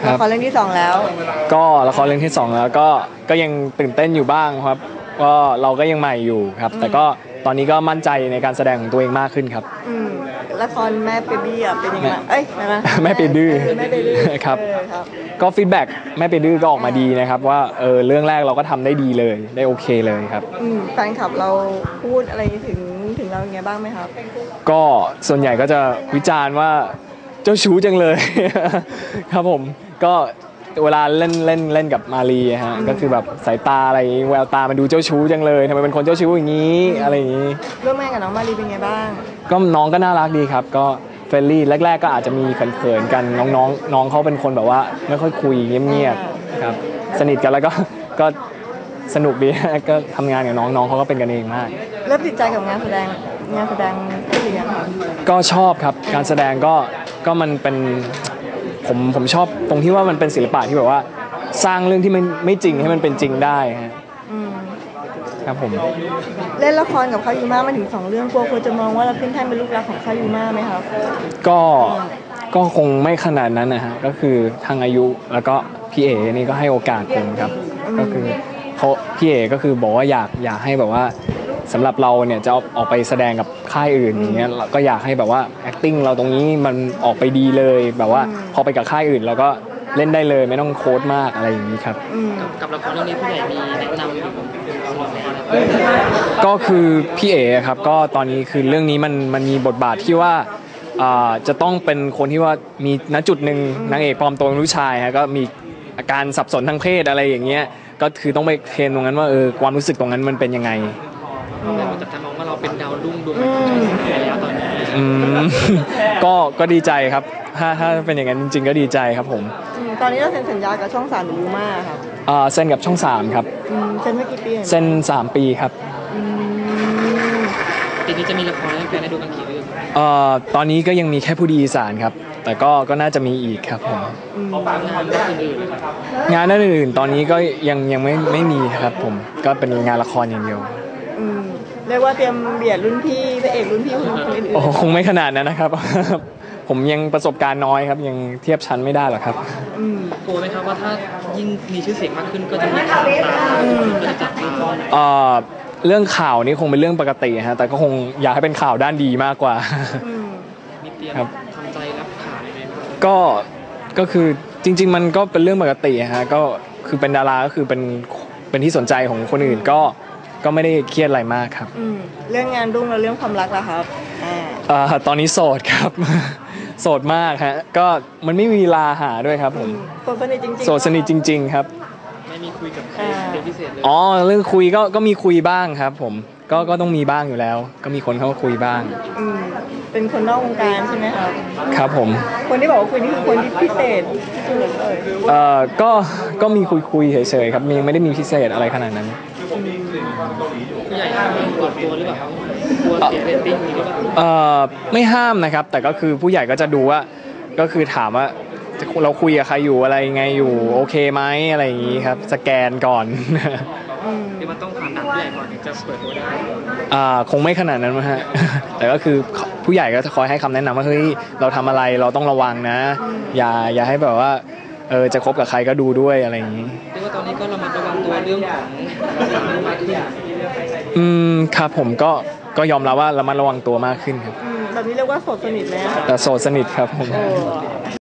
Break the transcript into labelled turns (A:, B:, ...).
A: ละครเรื่องที่2แล้ว
B: ก็ละครเรื่องที่2แล้วก็ยังตื่นเต้นอยู่บ้างครับก็เราก็ยังใหม่อยู่ครับแต่ก็ตอนนี้ก็มั่นใจในการแสดงของตัวเองมากขึ้นครับ
A: ละครแม่เบบี้เป็นยังไง
B: แม่เปดื้อ
A: แม่เบบี้
B: ครับก็ฟีดแบ็กแม่เปดื้อก็ออกมาดีนะครับว่าเรื่องแรกเราก็ทำได้ดีเลยได้โอเคเลยครับ
A: แฟนคลับเราพูดอะไรถึงเราอย่างไงบ้างไหมครับ
B: ก็ส่วนใหญ่ก็จะวิจารณ์ว่าเจ้าชู้จังเลยครับผมก็เวลาเล่นกับมารีฮะก็คือแบบสายตาอะไรแววตามันดูเจ้าชู้จังเลยทำไมเป็นคนเจ้าชู้อย่างนี้อะไรอย่างนี้
A: ร่วมงานกับน้องมารีเป็นไงบ้าง
B: ก็น้องก็น่ารักดีครับก็เฟรนลี่แรกๆก็อาจจะมีเขินๆกันน้องเขาเป็นคนแบบว่าไม่ค่อยคุยเงียบๆครับสนิทกันแล้วก็สนุกดีก็ทำงานกับน้องเขาก็เป็นกันเองมาก
A: เริ่มติดใจกับงานแสดงที่เรียนครับ
B: ก็ชอบครับการแสดงก็มันเป็นผมชอบตรงที่ว่ามันเป็นศิลปะที่แบบว่าสร้างเรื่องที่มันไม่จริงให้มันเป็นจริงได้ครับผม
A: เล่นละครกับคายูมามาถึง2เรื่องกลัวคนจะมองว่าเราขึ้นแท่นเป็นลูกรักของคายูมาไหมครับ
B: ก็คงไม่ขนาดนั้นนะฮะก็คือทางอายุแล้วก็พี่เอ๋นี่ก็ให้โอกาสผมครับก็คือพี่เอ๋ก็คือบอกว่าอยากให้แบบว่าสำหรับเราเนี่ยจะออกไปแสดงกับค่ายอื่นอย่างเงี้ยก็อยากให้แบบว่า acting เราตรงนี้มันออกไปดีเลยแบบว่าพอไปกับค่ายอื่นเราก็เล่นได้เลยไม่ต้องโค้ดมากอะไรอย่างนี้ครับ
C: กับละครเรื่องนี้ผู้ใหญ่มีแนะนำ
B: ก็คือพี่เอ๋ครับก็ตอนนี้คือเรื่องนี้มันมีบทบาทที่ว่าจะต้องเป็นคนที่ว่ามีณจุดหนึ่งนางเอกปลอมตัวเป็นผู้ชายฮะก็มีอาการสับสนทางเพศอะไรอย่างเงี้ยก็คือต้องไปเทรนตรงนั้นว่าความรู้สึกตรงนั้นมันเป็นยังไง
C: แต่จะมองว่าเราเป็นดาวรุ่งดวงใหญ่แล้วตอนนี้
B: ก็ดีใจครับถ้าเป็นอย่างนั้นจริงๆก็ดีใจครับผม
A: ตอนนี้เราเซ็นสัญญากับช่อง3หรือยูมาครับ
B: เซ็นกับช่อง3ครับ
A: เซ็นเมื่อกี่ปี
B: เซ็น3 ปีครับ
C: ปีนี้จะมีละครให้แฟนได้ดูกันกี่เรื่อง
B: ตอนนี้ก็ยังมีแค่ผู้ดีอีสานครับแต่ก็น่าจะมีอีกครับผมงานอื่นตอนนี้ก็ยังไม่มีครับผมก็เป็นงานละครอย่างเดียว
A: เรียกว่าเตรียมเบียดรุ่นพี่พระเอกรุ่นพี่คนอื่น
B: คงไม่ขนาดนั้นนะครับผมยังประสบการณ์น้อยครับยังเทียบชั้นไม่ได้หรอกครับ
C: กลัวไหมครับว่าถ้ายิ่งมีชื่อเสียงมากขึ้นก็จะมีข่าวตามก็จะจับ
B: เรื่องข่าวนี้คงเป็นเรื่องปกติฮะแต่ก็คงอยากให้เป็นข่าวด้านดีมากกว่า
C: มีเตรียมทำใจรับข่าวไหม
B: ก็คือจริงๆมันก็เป็นเรื่องปกติฮะก็คือเป็นดาราก็คือเป็นที่สนใจของคนอื่นก็ไม่ได้เครียดอะไรมากครับ
A: เรื่องงานรุ่งแล้วเรื่องความรักล่ะครับ
B: ตอนนี้โสดครับโสดมากฮะก็มันไม่มีเวลาหาด้วยครับผม
A: โสดสนิทจริงๆ
B: โสดสนิทจริงๆครับ
C: ไม่มีคุยกับใครเป็นพิเศษเลย
B: เรื่องคุยก็มีคุยบ้างครับผมก็ต้องมีบ้างอยู่แล้วก็มีคนเข้ามาคุยบ้าง
A: เป็นคนนอกวงการใช่ไหมครับ
B: ครับผม
A: คนที่บอกว่าคุยนี่คือคนที่พิเศษที่สุดเลย
B: ก็มีคุยเฉยๆครับไม่ได้มีพิเศษอะไรขนาดนั้น
C: ผู้ใหญ่ห้ามเปิดตัวหรือเปล่าครับกลัวเสียเรตติ้งหรือเปล่า
B: ไม่ห้ามนะครับแต่ก็คือผู้ใหญ่ก็จะดูว่าก็คือถามว่าเราคุยกับใครอยู่อะไรไงอยู่โอเคไหมอะไรอย่างนี้ครับสแกนก่อน
C: ที่มันต้องผ่านด่านผู้ใหญ่ก่อนถึงจะเปิดตัวได้
B: คงไม่ขนาดนั้นนะฮะแต่ก็คือผู้ใหญ่ก็จะคอยให้คำแนะนำว่าเฮ้ยเราทำอะไรเราต้องระวังนะอย่าให้แบบว่าจะคบกับใครก็ดูด้วยอะไรอย่างนี้
C: เรียกว่าตอนนี้ก็ระมัดระวังตัวเรื่องของมากขึ้
B: นครับผมก็ยอมรับว่าระมัดระวังตัวมากขึ้นครับ
A: แบบนี้เรียกว่าโสดสนิทไหม
B: แต่โสดสนิทครับผม